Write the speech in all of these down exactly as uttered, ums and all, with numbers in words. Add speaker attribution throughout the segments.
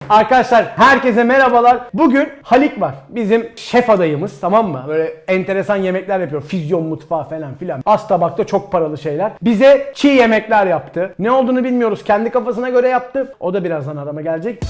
Speaker 1: Arkadaşlar herkese merhabalar. Bugün Halik var. Bizim şef adayımız, tamam mı? Böyle enteresan yemekler yapıyor. Füzyon mutfağı falan filan. Az tabakta çok paralı şeyler. Bize çiğ yemekler yaptı. Ne olduğunu bilmiyoruz. Kendi kafasına göre yaptı. O da birazdan arama gelecek.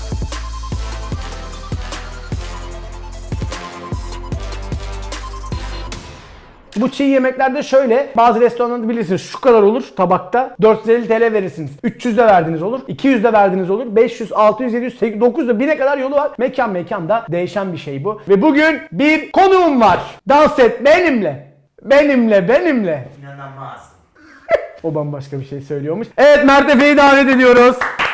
Speaker 1: Bu çiğ yemeklerde şöyle, bazı restoranlarda bilirsiniz şu kadar olur tabakta, dört yüz elli T L verirsiniz. üç yüz de verdiniz olur, iki yüz de verdiniz olur, beş yüz, altı yüz, yedi yüz, sekiz yüz, dokuz yüz, bine kadar yolu var. Mekan mekanda değişen bir şey bu. Ve bugün bir konuğum var. Dans et benimle. Benimle, benimle.
Speaker 2: İnanamaz.
Speaker 1: O bambaşka bir şey söylüyormuş. Evet, Mert Efe'yi davet ediyoruz.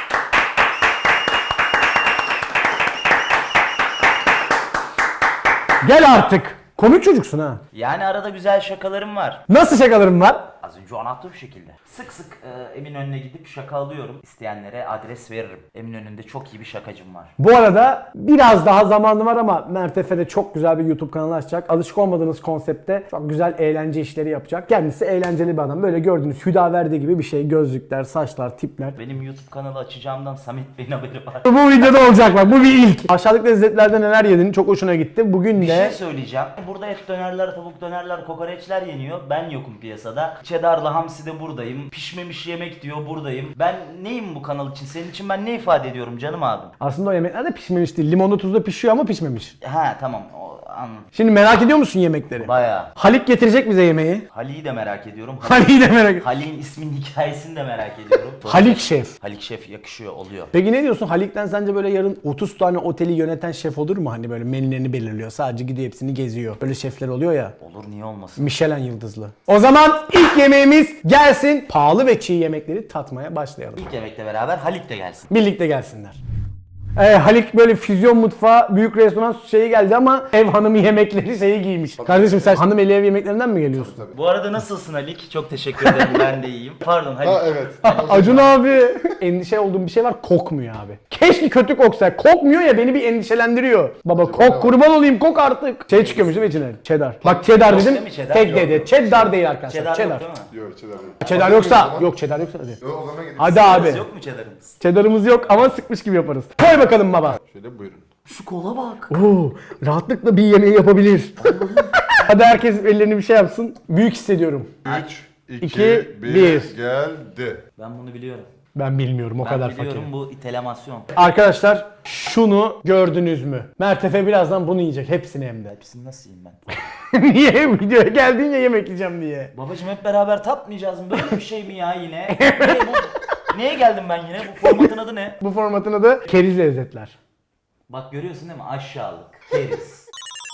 Speaker 1: Gel artık. Komik çocuksun ha.
Speaker 2: Yani arada güzel şakalarım var.
Speaker 1: Nasıl şakalarım var?
Speaker 2: Az önce anlattığım şekilde. Sık sık e, Eminönü'ne gidip şaka alıyorum. İsteyenlere adres veririm. Eminönü'nde çok iyi bir şakacım var.
Speaker 1: Bu arada biraz daha zamanı var ama Mert Efe de çok güzel bir YouTube kanalı açacak. Alışık olmadığınız konsepte çok güzel eğlence işleri yapacak. Kendisi eğlenceli bir adam. Böyle gördüğünüz Hüdaverdi gibi bir şey. Gözlükler, saçlar, tipler.
Speaker 2: Benim YouTube kanalı açacağımdan Samet Bey'in haberi var.
Speaker 1: Bu videoda olacak bak. Bu bir ilk. Aşağıdaki lezzetlerde neler yedin? Çok hoşuna gitti. Bugün
Speaker 2: Bir
Speaker 1: de...
Speaker 2: şey söyleyeceğim. Burada et dönerler, tavuk dönerler, kokoreçler yeniyor. Ben yokum piyasada. Cheddar'la hamsi de buradayım. Pişmemiş yemek diyor buradayım. Ben neyim bu kanal için? Senin için ben ne ifade ediyorum canım abim?
Speaker 1: Aslında o yemekler de pişmemiş değil. Limonlu tuzla pişiyor ama pişmemiş.
Speaker 2: Ha tamam o anladım.
Speaker 1: Şimdi merak ediyor musun yemekleri?
Speaker 2: Bayağı.
Speaker 1: Halik getirecek bize yemeği.
Speaker 2: Hali'yi de merak ediyorum.
Speaker 1: Halik'i de merak ediyorum.
Speaker 2: Halik'in isminin hikayesini de merak ediyorum.
Speaker 1: Halik Şef.
Speaker 2: Halik Şef yakışıyor oluyor.
Speaker 1: Peki ne diyorsun? Halik'ten sence böyle yarın otuz tane oteli yöneten şef olur mu? Hani böyle menülerini belirliyor. Sadece gidiyor hepsini geziyor. Böyle şefler oluyor ya.
Speaker 2: Olur niye olmasın?
Speaker 1: Michelin yıldızlı. O zaman ilk yemeğimiz gelsin. Pahalı ve çiğ yemekleri tatmaya başlayalım.
Speaker 2: İlk yemekle beraber Halik de gelsin.
Speaker 1: Birlikte gelsinler. Ee, Halik böyle füzyon mutfağı, büyük restoran şeyi geldi ama ev hanımı yemekleri şeyi giymiş. Kardeşim sen hanım eli ev yemeklerinden mi geliyorsun?
Speaker 2: Bu arada nasılsın Halik? Çok teşekkür ederim. Ben de iyiyim. Pardon Halik.
Speaker 3: Ha evet.
Speaker 1: Acun abi. Endişe olduğum bir şey var, kokmuyor abi. Keşke kötü koksa. Kokmuyor ya, beni bir endişelendiriyor. Baba kok, kurban olayım, kok artık. Şey çıkıyormuş değil mi içine? Cheddar. Bak cheddar
Speaker 2: Yok
Speaker 1: dedim.
Speaker 2: değil mi cheddar?
Speaker 1: Tek
Speaker 2: Yok,
Speaker 1: dedi.
Speaker 2: yok.
Speaker 1: Cheddar değil arkadaşlar.
Speaker 2: Cheddar,
Speaker 1: Cheddar.
Speaker 2: yok değil mi?
Speaker 3: Yok çedar değil.
Speaker 1: Cheddar
Speaker 3: Hazır
Speaker 1: yoksa.
Speaker 3: mıyız o zaman?
Speaker 1: Yok cheddar yoksa hadi.
Speaker 3: Yok o zaman gidelim.
Speaker 1: Hadi abi.
Speaker 2: Yok mu cheddar'ımız?
Speaker 1: Cheddar'ımız yok ama sıkmış gibi yaparız. Koy bakalım baba.
Speaker 3: Şöyle buyurun.
Speaker 2: Şu kola bak.
Speaker 1: Oo, rahatlıkla bir yemeği yapabilir. Hadi herkes ellerini bir şey yapsın. Büyük hissediyorum.
Speaker 3: üç, iki,
Speaker 1: İki,
Speaker 3: bir,
Speaker 1: bir.
Speaker 3: geldi.
Speaker 2: Ben bunu biliyorum.
Speaker 1: Ben bilmiyorum o
Speaker 2: Ben
Speaker 1: kadar
Speaker 2: biliyorum
Speaker 1: fakir.
Speaker 2: bu itelemasyon.
Speaker 1: Arkadaşlar şunu gördünüz mü? Mert Efe birazdan bunu yiyecek. Hepsini hem de.
Speaker 2: Hepsini nasıl yiyeyim ben?
Speaker 1: Niye? Videoya geldin ya yemek yiyeceğim diye.
Speaker 2: Babacım hep beraber tatmayacağız mı? Böyle bir şey mi ya yine? Ne bu? Neye geldim ben yine? Bu formatın adı ne?
Speaker 1: Bu formatın adı keriz lezzetler.
Speaker 2: Bak görüyorsun değil mi? Aşağılık. Keriz.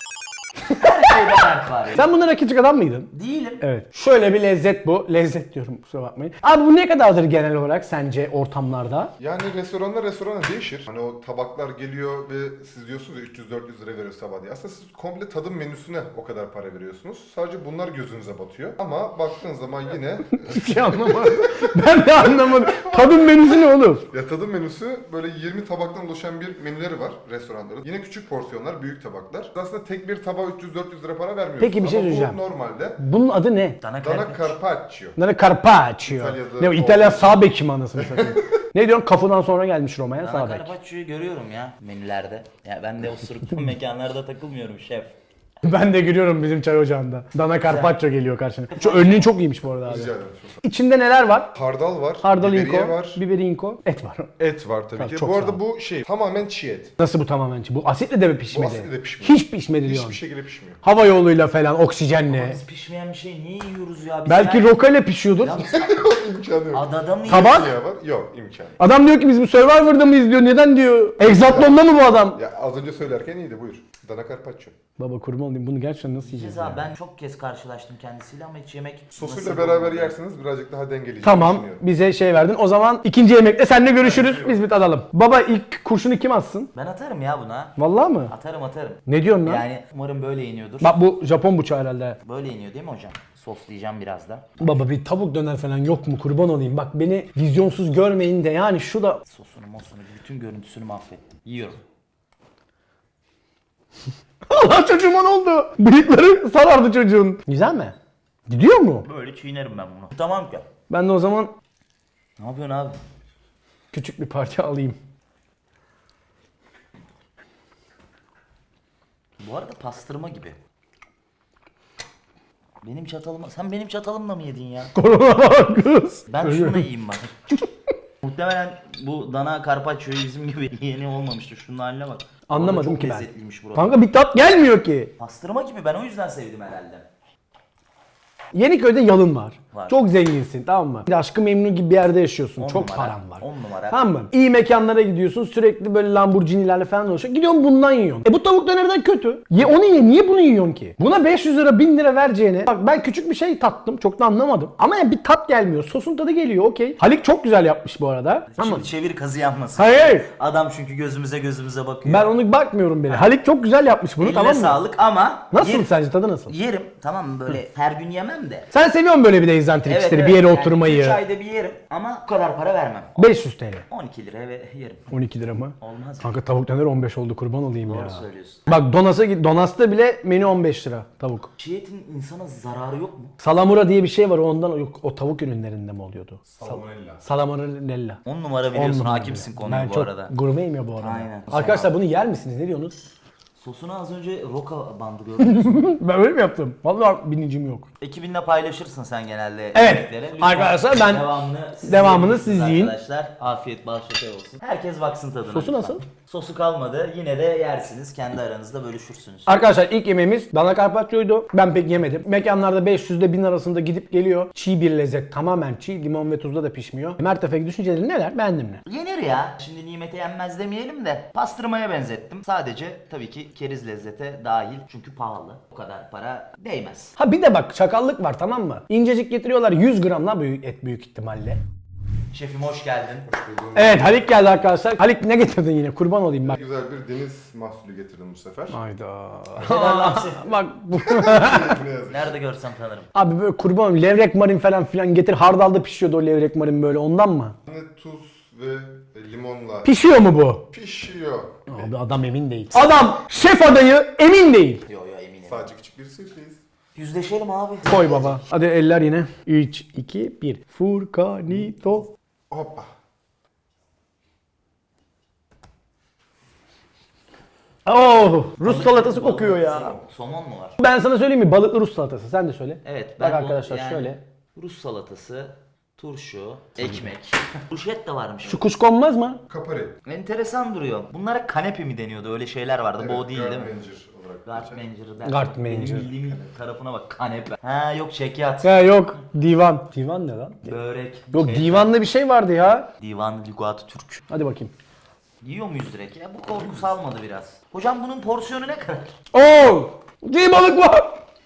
Speaker 2: Her şeyde Mert var ya.
Speaker 1: Sen bundan küçük adam mıydın?
Speaker 2: Değilim.
Speaker 1: Evet. Şöyle bir lezzet bu. Lezzet diyorum, kusura bakmayın. Abi bu ne kadardır genel olarak sence ortamlarda?
Speaker 3: Yani restoranlar restorana değişir. Hani o tabaklar geliyor ve siz diyorsunuz ya üç yüz dört yüz lira veriyoruz sabah diye. Aslında siz komple tadım menüsüne o kadar para veriyorsunuz. Sadece bunlar gözünüze batıyor. Ama baktığın zaman yine
Speaker 1: Hiçbir şey anlamadım. Ben de anlamadım. Tadım menüsü ne oğlum?
Speaker 3: ya tadım menüsü böyle yirmi tabaktan oluşan bir menüleri var restoranların. Yine küçük porsiyonlar, büyük tabaklar. Aslında tek bir tabağa üç yüz dört yüz lira para vermiyorsunuz.
Speaker 1: Peki, bir şey
Speaker 3: Ama
Speaker 1: söyleyeceğim.
Speaker 3: bu normalde
Speaker 1: Bunun adı ne?
Speaker 2: Dana
Speaker 3: dana
Speaker 2: karpaccio.
Speaker 3: carpaccio.
Speaker 1: Nere carpaccio.
Speaker 3: İtalya'da
Speaker 1: Ne o, İtalya sağ beki mi anasını satayım? Ne diyorsun? Kapıdan sonra gelmiş Roma'ya
Speaker 2: Dana
Speaker 1: sağ bek.
Speaker 2: carpaccio'yu görüyorum ya menülerde. Ya ben de o suruklu mekanlarda takılmıyorum şef.
Speaker 1: Ben de görüyorum bizim çay ocağında. Dana carpaccio geliyor karşına. Şu önlüğün çok iyiymiş bu arada abi.
Speaker 3: Rica ederim.
Speaker 1: İçinde neler var?
Speaker 3: Hardal var,
Speaker 1: Hardalinko,
Speaker 3: biberiye var,
Speaker 1: biberinko, et var.
Speaker 3: et var tabii
Speaker 1: Tamam,
Speaker 3: ki.
Speaker 1: çok
Speaker 3: Bu
Speaker 1: sağ
Speaker 3: arada
Speaker 1: ol.
Speaker 3: bu şey tamamen çiğ et.
Speaker 1: Nasıl bu tamamen? Bu asitle de mi
Speaker 3: Bu
Speaker 1: pişmedi?
Speaker 3: asitle de pişmiyor.
Speaker 1: Hiç pişmedi diyorsun.
Speaker 3: Hiçbir şekilde pişmiyor.
Speaker 1: Hava yoluyla falan, oksijenle.
Speaker 2: Biz pişmeyen bir şey niye yiyoruz ya? Biz
Speaker 1: Belki
Speaker 2: her-
Speaker 1: roka ile pişiyordur.
Speaker 2: Ya biz
Speaker 3: İmkanı yok.
Speaker 2: adada mı
Speaker 1: Tabak?
Speaker 2: yiyoruz?
Speaker 3: Ya var? Yok imkanı.
Speaker 1: Adam diyor ki biz bu Survivor'da mıyız diyor. Neden diyor? Exatlon'da mı bu adam?
Speaker 3: Ya az önce söylerken iyiydi buyur. Dana carpaccio.
Speaker 1: Baba kurban olayım, bunu gerçekten nasıl yiyeceğiz
Speaker 2: Ceza
Speaker 1: ya?
Speaker 2: ben çok kez karşılaştım kendisiyle ama hiç yemek
Speaker 3: Sosuyla
Speaker 2: nasip
Speaker 3: beraber
Speaker 2: olmadı.
Speaker 3: yerseniz birazcık daha dengeleyecek
Speaker 1: Tamam,
Speaker 3: düşünüyorum.
Speaker 1: bize şey verdin. O zaman ikinci yemekte seninle görüşürüz. Biz bir tadalım. Baba ilk kurşunu kim atsın?
Speaker 2: Ben atarım ya buna.
Speaker 1: Vallahi mı?
Speaker 2: Atarım atarım.
Speaker 1: Ne diyorsun lan?
Speaker 2: Yani umarım böyle iniyordur.
Speaker 1: Bak bu Japon bıçağı herhalde.
Speaker 2: Böyle iniyor değil mi hocam? Soslayacağım biraz da.
Speaker 1: Baba bir tavuk döner falan yok mu, kurban olayım? Bak beni vizyonsuz görmeyin de yani şu da...
Speaker 2: Sosunu mosunu bütün görüntüsünü mahvettim. Yiyorum.
Speaker 1: Allah çocuğuma ne oldu? Bıyıkları sarardı çocuğun. Güzel mi? Gidiyor mu?
Speaker 2: Böyle çiğnerim ben bunu. Tamam ki.
Speaker 1: Ben de o zaman
Speaker 2: Ne yapıyorsun abi?
Speaker 1: küçük bir parça alayım.
Speaker 2: Bu arada pastırma gibi. Benim çatalımla... Sen benim çatalımla mı yedin ya?
Speaker 1: Kız.
Speaker 2: Ben şunu yiyeyim bak. Muhtemelen bu dana carpaccio'yu bizim gibi yeni olmamıştır. Şunun haline bak.
Speaker 1: Anlamadım
Speaker 2: Çok
Speaker 1: ki ben.
Speaker 2: lezzetliymiş burası.
Speaker 1: Kanka bir tat gelmiyor ki.
Speaker 2: Pastırma gibi, ben o yüzden sevdim herhalde.
Speaker 1: Yeniköy'de yalın var.
Speaker 2: Var.
Speaker 1: Çok zenginsin, tamam mı? Bir de Aşkı Memnu gibi bir yerde yaşıyorsun.
Speaker 2: On
Speaker 1: Çok
Speaker 2: numara,
Speaker 1: paran var.
Speaker 2: on numara.
Speaker 1: Tamam mı? İyi mekanlara gidiyorsun. Sürekli böyle Lamborghini'lerle falan dolaşıyor. Gidiyorsun bundan yiyorsun. E bu tavuk dönerden kötü. Ye onu ye. Niye bunu yiyorsun ki? Buna beş yüz lira bin lira vereceğine. Bak ben küçük bir şey tattım. Çok da anlamadım. Ama yani bir tat gelmiyor. Sosun tadı geliyor. Okey. Halik çok güzel yapmış bu arada. Ama
Speaker 2: Şimdi çevir kazı yanmasın.
Speaker 1: hayır.
Speaker 2: Adam çünkü gözümüze gözümüze bakıyor.
Speaker 1: Ben onu bakmıyorum bile. Halik çok güzel yapmış bunu,
Speaker 2: Eline
Speaker 1: tamam mı?
Speaker 2: sağlık ama...
Speaker 1: Nasıl
Speaker 2: yer-
Speaker 1: sence, tadı nasıl?
Speaker 2: Yerim. Tamam mı, böyle her gün yemem de.
Speaker 1: Sen seviyorsun böyle bir de egzantrik işleri, bir yere
Speaker 2: yani
Speaker 1: oturmayı.
Speaker 2: üç ayda bir yerim ama bu kadar para vermem.
Speaker 1: beş yüz TL.
Speaker 2: on iki liraya ve yerim.
Speaker 1: on iki lira mı?
Speaker 2: Olmaz mı?
Speaker 1: Kanka tavuk döner on beş oldu, kurban olayım
Speaker 2: Doğru
Speaker 1: ya.
Speaker 2: söylüyorsun.
Speaker 1: Bak Donas'a git. Donas'ta bile menü on beş lira tavuk.
Speaker 2: Çiğ etin insana zararı yok mu?
Speaker 1: Salamura diye bir şey var, ondan yok, o tavuk ürünlerinde mi oluyordu?
Speaker 3: Salmonella.
Speaker 1: Salamurella.
Speaker 2: on numara
Speaker 1: On
Speaker 2: biliyorsun,
Speaker 1: numara
Speaker 2: hakimsin
Speaker 1: bile.
Speaker 2: konuya
Speaker 1: Ben
Speaker 2: bu
Speaker 1: çok
Speaker 2: arada.
Speaker 1: gurmeyim ya bu arada.
Speaker 2: Aynen.
Speaker 1: Arkadaşlar bunu yer misiniz? Ne diyorsunuz?
Speaker 2: Sosuna az önce roka bandı gördünüz mü?
Speaker 1: Ben öyle mi yaptım? Vallahi bilincim yok.
Speaker 2: Ekibinle paylaşırsın sen genelde.
Speaker 1: Evet.
Speaker 2: yemekleri. Lütfen
Speaker 1: Arkadaşlar ben-
Speaker 2: devamını siz
Speaker 1: devamını
Speaker 2: yiyin
Speaker 1: siz yiyin.
Speaker 2: Arkadaşlar afiyet bal şeker olsun. Herkes baksın tadına.
Speaker 1: Sosu
Speaker 2: lütfen.
Speaker 1: nasıl?
Speaker 2: Sosu kalmadı. Yine de yersiniz. Kendi aranızda bölüşürsünüz.
Speaker 1: Arkadaşlar ilk yemeğimiz dana carpaccio'ydu. Ben pek yemedim. Mekanlarda beş yüz ile bin arasında gidip geliyor. Çiğ bir lezzet. Tamamen çiğ. Limon ve tuzla da pişmiyor. Mertefe'deki düşünceleri neler? Beğendin mi?
Speaker 2: Yenir ya. Şimdi nimete yenmez demeyelim de pastırmaya benzettim. Sadece tabii ki keriz lezzete dahil. Çünkü pahalı. O kadar para değmez.
Speaker 1: Ha bir de bak çakallık var, tamam mı? İncecik getiriyorlar, yüz gram lan büyük et büyük ihtimalle.
Speaker 2: Şefim hoş geldin.
Speaker 1: Evet, Halik geldi arkadaşlar. Halik ne getirdin yine? Kurban olayım bak.
Speaker 3: Güzel bir deniz mahsulü getirdim bu sefer.
Speaker 1: Hayda.
Speaker 2: Neden hamsi?
Speaker 1: Bak bu.
Speaker 3: Ne yazık.
Speaker 2: Nerede görsem tanırım.
Speaker 1: Abi böyle kurban olayım. Levrek marin falan filan getir. Hardalda pişiyordu o levrek marin böyle, ondan mı?
Speaker 3: Ne tuz ve limonla
Speaker 1: Pişiyor mu bu?
Speaker 3: pişiyor.
Speaker 1: Abi adam emin değil. Adam şef adayı emin değil.
Speaker 2: Yo yo eminim.
Speaker 3: Sadece küçük bir sürpriz.
Speaker 2: Yüzleşelim abi.
Speaker 1: Koy baba. Hadi eller yine. üç, iki, bir. Furkanito.
Speaker 3: Hoppa.
Speaker 1: Oh, Rus salatası kokuyor ya.
Speaker 2: Somon mu var?
Speaker 1: Ben sana söyleyeyim mi? Balıklı Rus salatası. Sen de söyle.
Speaker 2: Evet.
Speaker 1: Bak
Speaker 2: bu-
Speaker 1: arkadaşlar
Speaker 2: yani
Speaker 1: şöyle.
Speaker 2: Rus salatası, turşu, ekmek. Ruşet de varmış.
Speaker 1: Şu kuşkonmaz mı?
Speaker 3: Kapari.
Speaker 2: Enteresan duruyor. Bunlara kanepe mi deniyordu? Öyle şeyler vardı. bu o değil değil mi?
Speaker 3: Gartmanger olarak geçer.
Speaker 2: Gartmanger der.
Speaker 1: Gartmanger.
Speaker 2: Benim bildiğim tarafına bak, kanepe. Ha yok, çekyat.
Speaker 1: Ya yok. Divan. Divan ne lan?
Speaker 2: Börek.
Speaker 1: Yok,
Speaker 2: şey-
Speaker 1: divanlı bir şey vardı ya.
Speaker 2: Divan Lügat Türk.
Speaker 1: Hadi bakayım.
Speaker 2: Yiyor muyuz direkt ya? Bu korku salmadı biraz. Hocam bunun porsiyonu ne kadar?
Speaker 1: Oo! Çiğ balık var.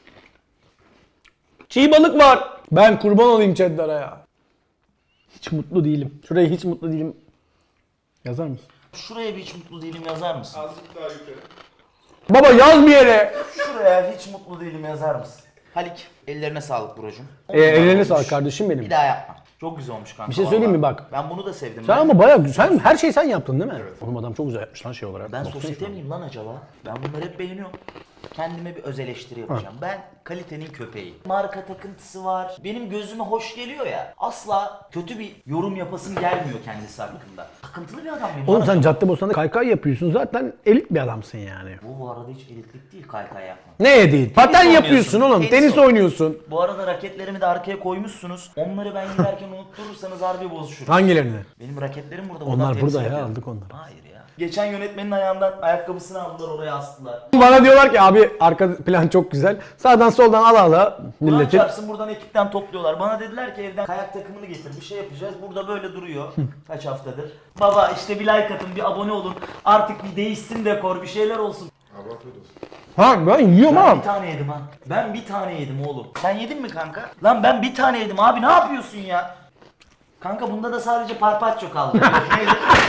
Speaker 1: Çiğ balık var. Ben kurban olayım Cheddar'a ya. Hiç mutlu değilim. Şuraya hiç mutlu değilim. Yazar mısın?
Speaker 2: Şuraya bir hiç mutlu değilim yazar mısın?
Speaker 3: Azıcık daha yukarı.
Speaker 1: Baba yaz bir yere.
Speaker 2: Şuraya hiç mutlu değilim yazar mısın? Halik, ellerine sağlık brocum.
Speaker 1: Ee, ellerine sağlık kardeşim benim.
Speaker 2: Bir daha yapma. Çok güzel olmuş kanka.
Speaker 1: Bir şey söyleyeyim mi
Speaker 2: vallahi.
Speaker 1: bak?
Speaker 2: Ben bunu da sevdim.
Speaker 1: Sen
Speaker 2: ben.
Speaker 1: ama bayağı güzel. Her şeyi sen yaptın değil mi?
Speaker 3: Evet.
Speaker 1: Oğlum adam çok güzel yapmış lan şey olarak.
Speaker 2: Ben
Speaker 1: Baksana
Speaker 2: sosyete
Speaker 1: şuna.
Speaker 2: miyim lan acaba? Ben bunları hep beğeniyorum. Kendime bir öz eleştiri yapacağım. Ben kalitenin köpeği. Marka takıntısı var. Benim gözüme hoş geliyor ya. Asla kötü bir yorum yapasım gelmiyor kendisi hakkında. Takıntılı bir adam benim.
Speaker 1: Oğlum
Speaker 2: lan
Speaker 1: sen
Speaker 2: acaba.
Speaker 1: Caddebostan'da kaykay yapıyorsun. Zaten elit bir adamsın yani.
Speaker 2: Bu bu arada hiç elitlik değil kaykay yapmak.
Speaker 1: Ne değil? Paten
Speaker 2: oynuyorsun,
Speaker 1: yapıyorsun oğlum.
Speaker 2: tenis
Speaker 1: Tenis
Speaker 2: oynuyorsun.
Speaker 1: oynuyorsun.
Speaker 2: Bu arada raketlerimi de arkaya koymuşsunuz. Onları ben giderken unutturursanız harbi bozuşur.
Speaker 1: Hangilerini?
Speaker 2: Benim raketlerim burada.
Speaker 1: Onlar
Speaker 2: buradan temsil
Speaker 1: burada ya,
Speaker 2: ediyorum.
Speaker 1: aldık onları.
Speaker 2: Hayır ya. Geçen yönetmenin ayağından ayakkabısını aldılar, oraya astılar.
Speaker 1: Bana diyorlar ki abi arka plan çok güzel. Sağdan soldan ala ala
Speaker 2: Kur'an
Speaker 1: milletin.
Speaker 2: çarpsın, buradan ekipten topluyorlar. Bana dediler ki evden kayak takımını getir, bir şey yapacağız. Burada böyle duruyor. Kaç haftadır. Baba işte bir like atın, bir abone olun. Artık bir değişsin dekor, bir şeyler olsun.
Speaker 3: Allah afiyet olsun.
Speaker 1: Ha ben yiyorum
Speaker 2: Ben
Speaker 1: ha.
Speaker 2: bir tane yedim ha. Ben bir tane yedim oğlum. Sen yedin mi kanka? Lan ben bir tane yedim abi, ne yapıyorsun ya? Kanka bunda da sadece parpaço kaldı. Neydi?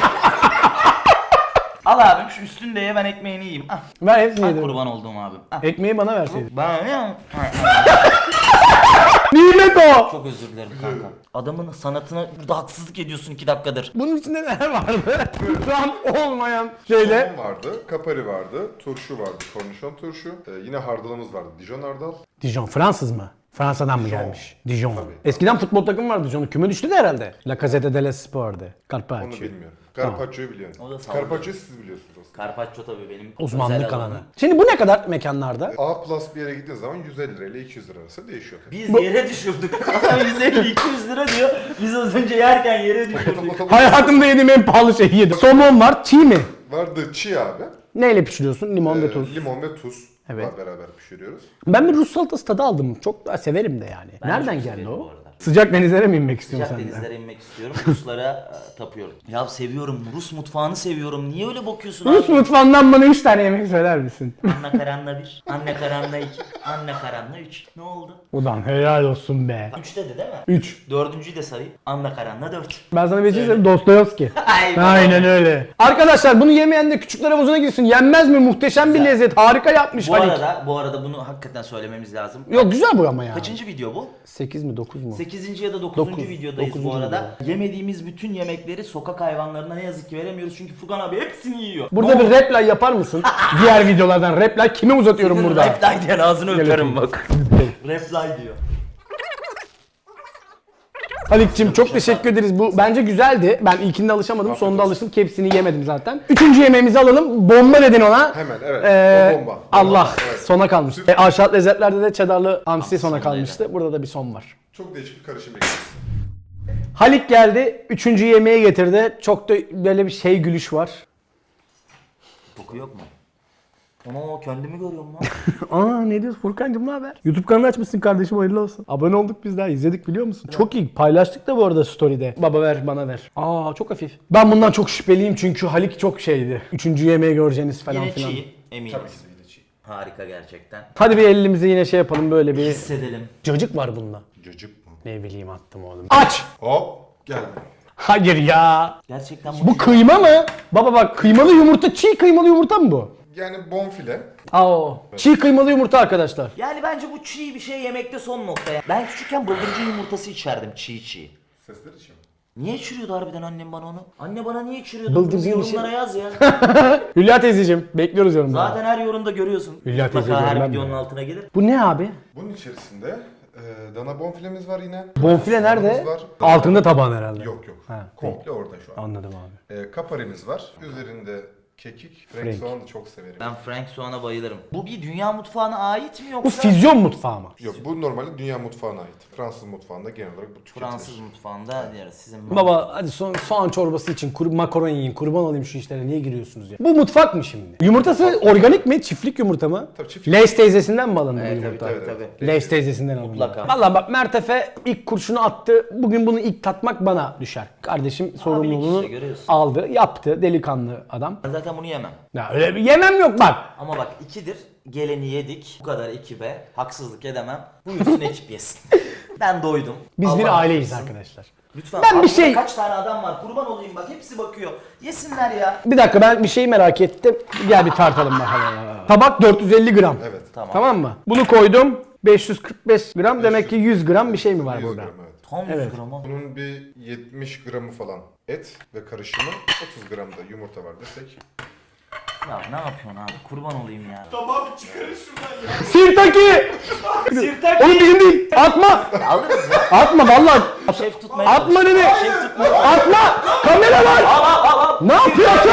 Speaker 2: Al abim şu üstünü de ye, ben ekmeğini yiyeyim. Ah,
Speaker 1: Ben hepsini
Speaker 2: ben
Speaker 1: yedim.
Speaker 2: kurban olduğum abim. Ah.
Speaker 1: Ekmeği bana verseydin.
Speaker 2: Ben ne?
Speaker 1: Nimet o.
Speaker 2: Çok özür dilerim kanka. Adamın sanatına burada haksızlık ediyorsun iki dakikadır.
Speaker 1: Bunun içinde neler vardı? Tam olmayan şeyle.
Speaker 3: Somon vardı, kapari vardı, turşu vardı, kornişon turşu. Ee, yine hardalımız vardı, Dijon hardal.
Speaker 1: Dijon Fransız mı? Fransa'dan mı
Speaker 3: Dijon.
Speaker 1: gelmiş? Dijon.
Speaker 3: Tabii.
Speaker 1: Eskiden futbol takımı vardı Dijon'un. Küme düştü de herhalde. La Gazzetta dello Spor'du.
Speaker 3: Onu
Speaker 1: Carpaccio.
Speaker 3: bilmiyorum. Carpaccio'yu biliyorsun.
Speaker 2: O da sallıyor.
Speaker 3: Carpaccio'yu siz biliyorsunuz aslında.
Speaker 2: Carpaccio tabii benim
Speaker 1: Uzmanlık
Speaker 2: özel
Speaker 1: alanı.
Speaker 2: alanım.
Speaker 1: Şimdi bu ne kadar mekanlarda?
Speaker 3: A plus bir yere gittiğiniz zaman yüz elli lira ile iki yüz lira arası değişiyor tabii.
Speaker 2: Biz yere düşürdük. Adam yüz elli iki yüz lira diyor. Biz az önce yerken yere düşürdük.
Speaker 1: Hayatımda yediğim en pahalı şeyi yedim. Somon var, çiğ mi?
Speaker 3: Vardı çiğ abi.
Speaker 1: Neyle pişiriyorsun? Limon ve
Speaker 3: Ee,
Speaker 1: tuz.
Speaker 3: Limon ve tuz.
Speaker 1: Evet.
Speaker 3: Evet. Beraber pişiriyoruz.
Speaker 1: Ben bir Rus salatası tadı aldım. Çok da severim de yani.
Speaker 2: Ben
Speaker 1: Nereden
Speaker 2: çok
Speaker 1: geldi
Speaker 2: severim
Speaker 1: o?
Speaker 2: bu arada.
Speaker 1: Sıcak denizlere mi inmek istiyorsun
Speaker 2: Sıcak
Speaker 1: sen de?
Speaker 2: denizlere inmek istiyorum. Ruslara e, tapıyorum. Ya seviyorum. Rus mutfağını seviyorum. Niye öyle bakıyorsun
Speaker 1: Rus
Speaker 2: abi?
Speaker 1: mutfağından bana üç tane yemek söyler misin?
Speaker 2: Anne karanla bir, anne karanla iki, anne karanla üç. Ne oldu?
Speaker 1: Ulan helal olsun be.
Speaker 2: Üç dedi değil mi?
Speaker 1: Üç.
Speaker 2: Dördüncüyü de sayayım. Anne karanla dört.
Speaker 1: Ben sana bir şey söyleyeyim. Dostoyevski.
Speaker 2: Ay,
Speaker 1: Aynen öyle. Arkadaşlar bunu yemeyen de küçükler havuzuna girsin. Yenmez mi? Muhteşem bir
Speaker 2: Güzel.
Speaker 1: lezzet. Harika yapmış
Speaker 2: Bu
Speaker 1: Halik.
Speaker 2: arada, bu arada bunu hakikaten söylememiz lazım.
Speaker 1: Yok güzel bu ama ya.
Speaker 2: Kaçıncı video bu?
Speaker 1: sekiz mi dokuz mu?
Speaker 2: sekizinci ya da dokuzuncu
Speaker 1: Dokuz.
Speaker 2: videodayız bu
Speaker 1: Dokuzuncu
Speaker 2: arada. Yemediğimiz bütün yemekleri sokak hayvanlarına ne yazık ki veremiyoruz çünkü Furkan abi hepsini yiyor.
Speaker 1: Burada bir reply yapar mısın? Diğer videolardan reply kime uzatıyorum burada?
Speaker 2: Reply diyen ağzını
Speaker 1: Gel
Speaker 2: öperim
Speaker 1: öpeyim.
Speaker 2: bak. Reply diyor.
Speaker 1: Halik'cim çok teşekkür ederiz. Bu bence güzeldi. Ben ilkinde alışamadım. Sonunda alıştım. Hepsini yemedim zaten. Üçüncü yemeğimizi alalım. Bomba dedin ona.
Speaker 3: Hemen evet.
Speaker 1: Ee,
Speaker 3: O bomba.
Speaker 1: Allah
Speaker 3: Bomba, evet.
Speaker 1: sona kalmış. E, aşağı lezzetlerde de cheddarlı hamsi sona kalmıştı. Burada da bir son var.
Speaker 3: Çok değişik bir karışım bekliyoruz.
Speaker 1: Halik geldi. Üçüncü yemeği getirdi. Çok da böyle bir şey gülüş var.
Speaker 2: Koku yok mu? Ama kendimi görüyorum lan.
Speaker 1: Aa ne diyorsun Furkan'cım ne haber? YouTube kanalı açmışsın kardeşim hayırlı olsun. Abone olduk biz daha izledik biliyor musun? Çok iyi paylaştık da bu arada story'de. Baba ver bana ver. Aa çok hafif. Ben bundan çok şüpheliyim çünkü Halik çok şeydi. Üçüncü yemeği göreceğiniz falan
Speaker 2: Yine
Speaker 1: filan.
Speaker 2: çiğ eminiz.
Speaker 3: Tabii ki de yine çiğ.
Speaker 2: Harika gerçekten.
Speaker 1: Hadi bir elimizi yine şey yapalım böyle bir.
Speaker 2: Hissedelim.
Speaker 1: Cacık var bunda.
Speaker 3: Cacık mı?
Speaker 1: Ne bileyim attım oğlum. Aç!
Speaker 3: Hop geldi.
Speaker 1: Hayır ya.
Speaker 2: Gerçekten
Speaker 1: Bu kıyma mı? Baba bak kıymalı yumurta, çiğ kıymalı yumurta mı bu?
Speaker 3: Yani bonfile.
Speaker 1: Aa, çiğ kıymalı yumurta arkadaşlar.
Speaker 2: Yani bence bu çiğ bir şey yemekte son nokta ya. Ben küçükken bıldırcın yumurtası içerdim çiğ çiğ.
Speaker 3: Sesler için.
Speaker 2: Niye içiriyordu harbiden annem bana onu? Anne bana niye içiriyordu?
Speaker 1: Bıldırcın
Speaker 2: Bunu
Speaker 1: bir şey-
Speaker 2: yorumlara yaz ya.
Speaker 1: Hülya teyzeciğim bekliyoruz yorumları.
Speaker 2: Zaten her yorumda görüyorsun.
Speaker 1: Hülya teyze
Speaker 2: Mutlaka her
Speaker 1: görmem
Speaker 2: videonun
Speaker 1: ya.
Speaker 2: altına gelir.
Speaker 1: Bu ne abi?
Speaker 3: Bunun içerisinde e, dana bonfilemiz var yine.
Speaker 1: Bonfile nerede?
Speaker 3: Soğanımız var.
Speaker 1: Altında tabağın herhalde.
Speaker 3: Yok yok.
Speaker 1: Ha,
Speaker 3: Komple orada şu an.
Speaker 1: Anladım abi.
Speaker 3: E, kaparimiz var. Üzerinde kekik. Frank,
Speaker 1: Frank.
Speaker 3: soğanı çok severim.
Speaker 2: Ben Frank soğana bayılırım. Bu bir dünya mutfağına ait mi
Speaker 1: Bu
Speaker 2: yoksa
Speaker 1: füzyon mutfağı mı?
Speaker 3: Yok bu normalde dünya mutfağına ait. Fransız mutfağında genel olarak bu tüketilir.
Speaker 2: Fransız mutfağında diyoruz sizin
Speaker 1: Baba hadi so soğan çorbası için kuru makaron yiyin. Kurban olayım şu işlere niye giriyorsunuz ya? Bu mutfak mı şimdi? Yumurtası organik mi? Çiftlik yumurta mı?
Speaker 3: Tabii çiftlik.
Speaker 1: Leys teyzesinden mi alındı
Speaker 2: Evet,
Speaker 1: bu
Speaker 2: tabii,
Speaker 1: yumurta?
Speaker 2: tabii,
Speaker 3: Evet,
Speaker 2: tabii.
Speaker 1: Leys teyzesinden alındı.
Speaker 2: Mutlaka.
Speaker 1: Valla bak Mertefe ilk kurşunu attı. Bugün bunu ilk tatmak bana düşer. Kardeşim sorumluluğunu
Speaker 2: işte, görüyorsun.
Speaker 1: aldı, yaptı. Delikanlı adam.
Speaker 2: Ben zaten bunu yemem.
Speaker 1: Ya öyle bir yemem yok bak.
Speaker 2: Ama bak ikidir. Geleni yedik. Bu kadar ekibe haksızlık edemem. Buyursun ekip yesin. Ben doydum.
Speaker 1: Biz
Speaker 2: Allah
Speaker 1: bir aileyiz
Speaker 2: hakkısın.
Speaker 1: arkadaşlar.
Speaker 2: Lütfen.
Speaker 1: Ben bir
Speaker 2: Aklımda
Speaker 1: şey-
Speaker 2: Kaç tane adam var? Kurban olayım bak. Hepsi bakıyor. Yesinler ya.
Speaker 1: Bir dakika ben bir şey merak ettim. Gel bir tartalım bakalım. Tabak dört yüz elli gram.
Speaker 3: Evet.
Speaker 2: Tamam.
Speaker 1: Tamam mı? Bunu koydum. beş yüz kırk beş gram demek ki yüz gram bir şey mi var
Speaker 3: yüz
Speaker 1: burada?
Speaker 3: gram, evet.
Speaker 2: Tam yüz
Speaker 1: Evet.
Speaker 2: gram ha.
Speaker 3: Bunun bir yetmiş gramı falan et ve karışımı, otuz gram da yumurta var desek.
Speaker 2: Ya ne yapıyorsun abi? Kurban olayım ya.
Speaker 1: Sirtaki!
Speaker 2: Sirtaki.
Speaker 1: Oğlum bizim değil. Atma!
Speaker 2: Alırız ya.
Speaker 1: Atma vallahi.
Speaker 2: Şef tutmaya
Speaker 1: Atma
Speaker 2: çalış.
Speaker 1: dedi.
Speaker 2: Şef tutmaya
Speaker 1: Atma! Kamera var! Ne yapıyorsun?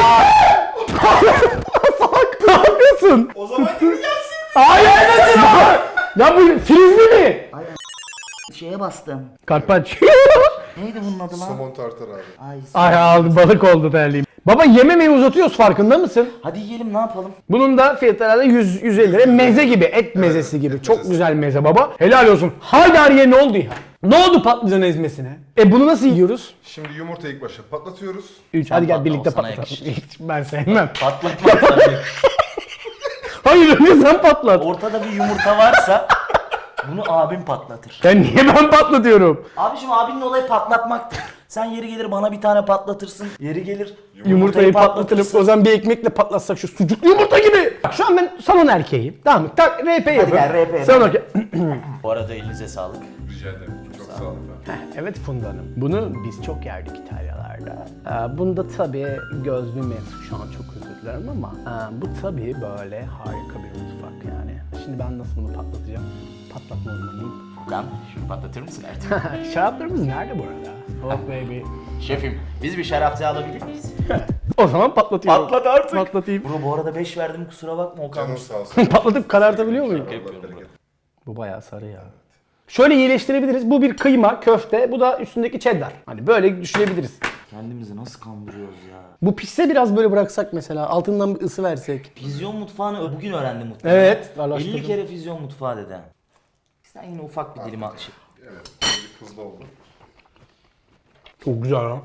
Speaker 1: Salak ne yapıyorsun?
Speaker 2: O zaman geri gelsin.
Speaker 1: Hayır nasıl ya? Ya bu frizli mi?
Speaker 2: Şeye bastım.
Speaker 1: Carpaccio.
Speaker 2: Neydi bunun adı lan?
Speaker 3: Somon tartar abi.
Speaker 2: Ay.
Speaker 1: Ay aldı balık oldu terliğim. Baba yememeyi uzatıyoruz farkında mısın?
Speaker 2: Hadi yiyelim ne yapalım?
Speaker 1: Bunun da fiyatı herhalde yüz yüz elli lira. Meze gibi, et mezesi gibi.
Speaker 3: et
Speaker 1: Çok
Speaker 3: mezesi.
Speaker 1: güzel meze baba. Helal olsun. Haydariye ne oldu ya? Ne oldu patlıcan ezmesine? E bunu nasıl yiyoruz?
Speaker 3: Şimdi yumurtayı ilk başta patlatıyoruz.
Speaker 1: üç.
Speaker 2: Sen
Speaker 1: Hadi gel
Speaker 2: patla,
Speaker 1: birlikte
Speaker 2: o sana
Speaker 1: patlatalım.
Speaker 2: yakışır.
Speaker 1: Hiç ben sevmem.
Speaker 2: Patlatmak tabii.
Speaker 1: Hayır önce sen patlat.
Speaker 2: Ortada bir yumurta varsa bunu abim patlatır.
Speaker 1: Ya niye ben patlatıyorum?
Speaker 2: Abiciğim abinin olayı patlatmaktır. Sen yeri gelir bana bir tane patlatırsın. Yeri gelir
Speaker 1: Yumurtayı patlatırım. O zaman bir ekmekle patlatsak şu sucuklu yumurta gibi. Bak şu an ben salon erkeğiyim. Tamam mı? Tak R P yapın.
Speaker 2: gel, R P
Speaker 1: Salon
Speaker 2: yapalım.
Speaker 1: erkeği.
Speaker 2: Bu arada elinize sağlık.
Speaker 3: Rica ederim. Çok sağ olun.
Speaker 1: Evet Funda Hanım. Bunu biz çok yerdik İtalyalarda. Ee, bunda tabii gözlü mevzu şu an çok özür dilerim ama e, bu tabii böyle harika bir mutfak yani. Şimdi ben nasıl bunu patlatacağım? Patlatma uzmanıyım.
Speaker 2: Furkan şunu patlatır mısın artık?
Speaker 1: Şaraplarımız nerede bu arada? Oh baby.
Speaker 2: Şefim biz bir şarapçı alabilir miyiz?
Speaker 1: O zaman patlatıyorum.
Speaker 2: Patlat artık.
Speaker 1: Patlatayım.
Speaker 2: Bro bu arada beş verdim kusura bakma Okan.
Speaker 3: Canın sağ olsun.
Speaker 1: Patlatıp karartabiliyor muyum?
Speaker 2: yapıyorum
Speaker 3: Allah bereket.
Speaker 1: Bu bayağı sarı ya. Şöyle iyileştirebiliriz. Bu bir kıyma, köfte. Bu da üstündeki cheddar. Hani böyle düşünebiliriz.
Speaker 2: Kendimizi nasıl kandırıyoruz ya?
Speaker 1: Bu pişse biraz böyle bıraksak mesela. Altından bir ısı versek.
Speaker 2: Füzyon mutfağını bugün öğrendim muhtemelen.
Speaker 1: Evet, araştırdım.
Speaker 2: elli kere füzyon mutfağı dedi. Sen yine ufak bir dilim at. Şey.
Speaker 3: Evet. Birazcık hızlı oldu.
Speaker 1: Çok güzel ha.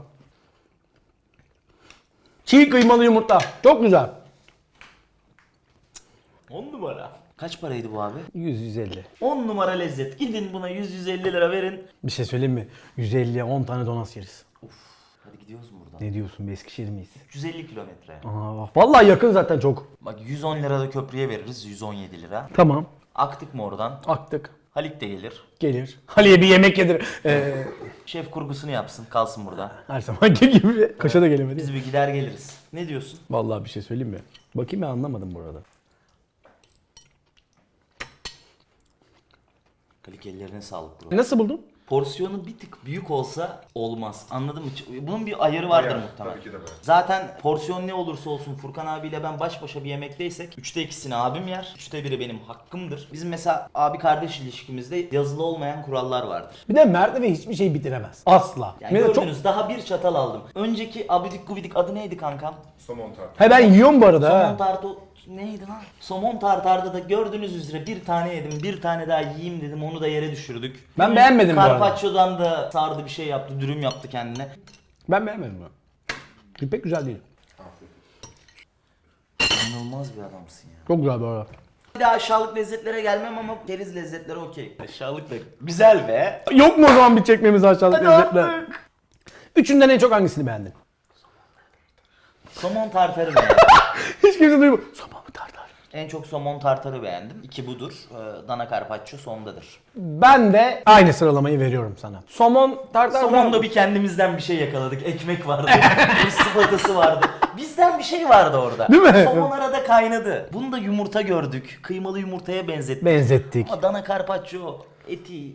Speaker 1: Çiğ kıymalı yumurta. Çok güzel.
Speaker 2: on numara. Kaç paraydı bu abi?
Speaker 1: yüz yüz elli.
Speaker 2: on numara lezzet. Gidin buna yüz yüz elli lira verin.
Speaker 1: Bir şey söyleyeyim mi? yüz elliye on tane donas yeriz.
Speaker 2: Hadi gidiyoruz mu buradan?
Speaker 1: Ne diyorsun be, Eskişehir miyiz?
Speaker 2: üç yüz elli kilometre.
Speaker 1: Aa, vallahi yakın zaten çok.
Speaker 2: Bak yüz on lira da köprüye veririz. yüz on yedi lira.
Speaker 1: Tamam.
Speaker 2: Aktık mı oradan?
Speaker 1: Aktık.
Speaker 2: Halik de gelir.
Speaker 1: Gelir. Haliye bir yemek yedir. Ee,
Speaker 2: Şef kurgusunu yapsın. Kalsın burada.
Speaker 1: her zamanki gibi. Kaşa da gelemedi.
Speaker 2: Biz bir gider geliriz. Ne diyorsun?
Speaker 1: Vallahi bir şey söyleyeyim mi? Bakayım, ben anlamadım bu arada.
Speaker 2: Halik ellerine sağlık bro.
Speaker 1: Nasıl buldun?
Speaker 2: Porsiyonu bir tık büyük olsa olmaz. Anladın mı? Bunun bir ayarı vardır
Speaker 3: Ayar,
Speaker 2: muhtemelen.
Speaker 3: tabii ki de böyle.
Speaker 2: Zaten porsiyon ne olursa olsun Furkan abiyle ben baş başa bir yemekteysek üçte ikisini abim yer. Üçte biri benim hakkımdır. Bizim mesela abi kardeş ilişkimizde yazılı olmayan kurallar vardır.
Speaker 1: Bir de mertebe hiçbir şey bitiremez. Asla.
Speaker 2: Yani
Speaker 1: Bir de
Speaker 2: gördünüz
Speaker 1: çok...
Speaker 2: daha bir çatal aldım. Önceki abidik gubidik adı neydi kankam?
Speaker 3: Somon tartı.
Speaker 1: He, ben yiyorum bu arada.
Speaker 2: Somon
Speaker 1: ha.
Speaker 2: tartı neydi lan? Somon tartarda da gördüğünüz üzere bir tane yedim. Bir tane daha yiyeyim dedim. Onu da yere düşürdük.
Speaker 1: Ben beğenmedim bu arada.
Speaker 2: Carpaccio'dan da sardı bir şey yaptı. Dürüm yaptı kendine.
Speaker 1: Ben beğenmedim bunu. Pek güzel değil.
Speaker 2: İnanılmaz bir adamsın ya.
Speaker 1: Çok güzel bu arada.
Speaker 2: Bir daha aşağılık lezzetlere gelmem ama keriz lezzetleri okey. Aşağılık da güzel be.
Speaker 1: Yok mu o zaman bir çekmemiz aşağılık
Speaker 2: Hadi
Speaker 1: lezzetler?
Speaker 2: artık.
Speaker 1: Üçünden en çok hangisini beğendin?
Speaker 2: Somon tartarı beğendim.
Speaker 1: Hiç kimse duymadı. Somon tartar.
Speaker 2: En çok somon tartarı beğendim. İki budur. Ee, Dana carpaccio sondadır.
Speaker 1: Ben de aynı sıralamayı veriyorum sana. Somon tartar.
Speaker 2: Somonda bir kendimizden bir şey yakaladık. Ekmek vardı. Rus sıfatası vardı. Bizden bir şey vardı orada.
Speaker 1: Değil mi?
Speaker 2: Somon arada kaynadı. Bunu da yumurta gördük. Kıymalı yumurtaya benzettik.
Speaker 1: benzettik.
Speaker 2: Ama Dana carpaccio eti.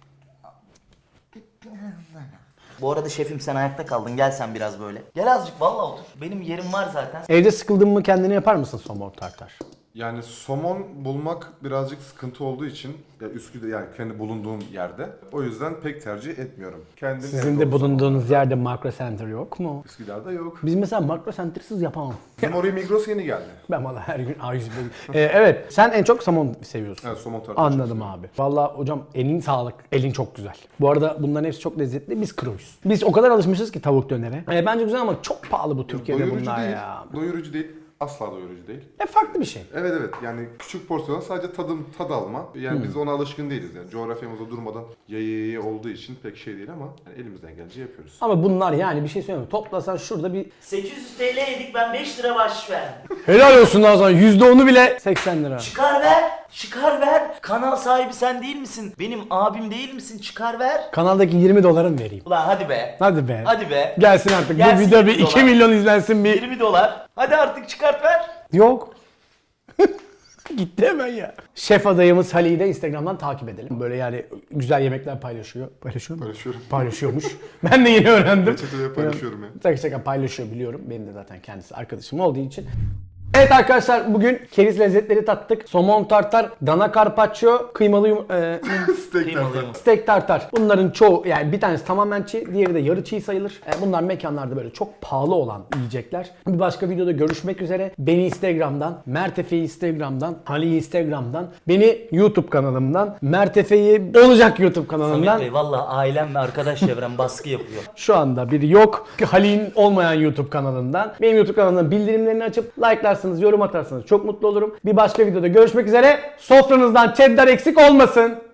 Speaker 2: Bu arada şefim sen ayakta kaldın. Gel sen biraz böyle. Gel azıcık vallahi otur. Benim yerim var zaten.
Speaker 1: Evde sıkıldın mı kendini yapar mısın somon tartar?
Speaker 3: Yani somon bulmak birazcık sıkıntı olduğu için ya Üsküdar, yani kendi bulunduğum yerde. O yüzden pek tercih etmiyorum. Kendim
Speaker 1: Sizin
Speaker 3: evde
Speaker 1: de
Speaker 3: olsun.
Speaker 1: bulunduğunuz yerde makro center yok mu?
Speaker 3: Üsküdar'da yok.
Speaker 1: Biz mesela makro center'sız yapamam.
Speaker 3: Bizim oraya Migros yeni geldi.
Speaker 1: Ben valla her gün A yüz ee, evet, sen en çok somon seviyorsun.
Speaker 3: Evet, somon tartı.
Speaker 1: Anladım abi. Valla hocam elin sağlık. Elin çok güzel. Bu arada bunların hepsi çok lezzetli. Biz kroyuz. Biz o kadar alışmışız ki tavuk dönere. Ee, bence güzel ama çok pahalı bu Türkiye'de
Speaker 3: Doyurucu
Speaker 1: bunlar
Speaker 3: değil.
Speaker 1: ya.
Speaker 3: Doyurucu değil. Asla doyurucu değil.
Speaker 1: E farklı bir şey.
Speaker 3: Evet evet, yani küçük porsiyon sadece tadım tad alma. Yani biz ona alışkın değiliz yani. Coğrafyamızda durmadan yayı olduğu için pek şey değil ama yani elimizden gelince yapıyoruz.
Speaker 1: Ama bunlar yani bir şey söyleyeyim mi? Toplasan şurada bir
Speaker 2: sekiz yüz TL yedik ben beş lira bahşiş verdim.
Speaker 1: helal olsun daha sonra yüzde onu bile seksen lira.
Speaker 2: Çıkar ver. Çıkar ver. Kanal sahibi sen değil misin? Benim abim değil misin? Çıkar ver.
Speaker 1: Kanaldaki yirmi dolarım vereyim.
Speaker 2: Ulan hadi be.
Speaker 1: Hadi be.
Speaker 2: Hadi be.
Speaker 1: Gelsin artık.
Speaker 2: Gelsin
Speaker 1: Bu video bir
Speaker 2: yirmi
Speaker 1: iki
Speaker 2: dolar.
Speaker 1: milyon izlensin bir.
Speaker 2: yirmi dolar. Hadi artık çıkart ver.
Speaker 1: Yok. Gitti hemen ya. Şef adayımız Halil'i de Instagram'dan takip edelim. Böyle yani güzel yemekler paylaşıyor. Paylaşıyor mu?
Speaker 3: Paylaşıyorum.
Speaker 1: Paylaşıyormuş. Ben de yeni öğrendim.
Speaker 3: Reçeteleri paylaşıyorum ya.
Speaker 1: Şaka şaka paylaşıyor biliyorum. Benim de zaten kendisi arkadaşım olduğu için. Evet arkadaşlar, bugün keriz lezzetleri tattık. Somon tartar, dana carpaccio, kıymalı yum e,
Speaker 3: Steak
Speaker 2: Kıymalı
Speaker 3: tartı.
Speaker 2: yumurta.
Speaker 1: steak tartar. Bunların çoğu, yani bir tanesi tamamen çiğ, diğeri de yarı çiğ sayılır. E, bunlar mekanlarda böyle çok pahalı olan yiyecekler. Bir başka videoda görüşmek üzere. Beni Instagram'dan, Mert Efe'yi Instagram'dan, Halil'i Instagram'dan, beni YouTube kanalımdan, Mert Efe'yi olacak YouTube kanalımdan.
Speaker 2: Samet Bey valla ailem ve arkadaş çevrem baskı yapıyor.
Speaker 1: Şu anda biri yok. Halil'in olmayan YouTube kanalından. Benim YouTube kanalımdan bildirimlerini açıp like'larsanız, yorum atarsanız çok mutlu olurum. Bir başka videoda görüşmek üzere. Sofranızdan cheddar eksik olmasın.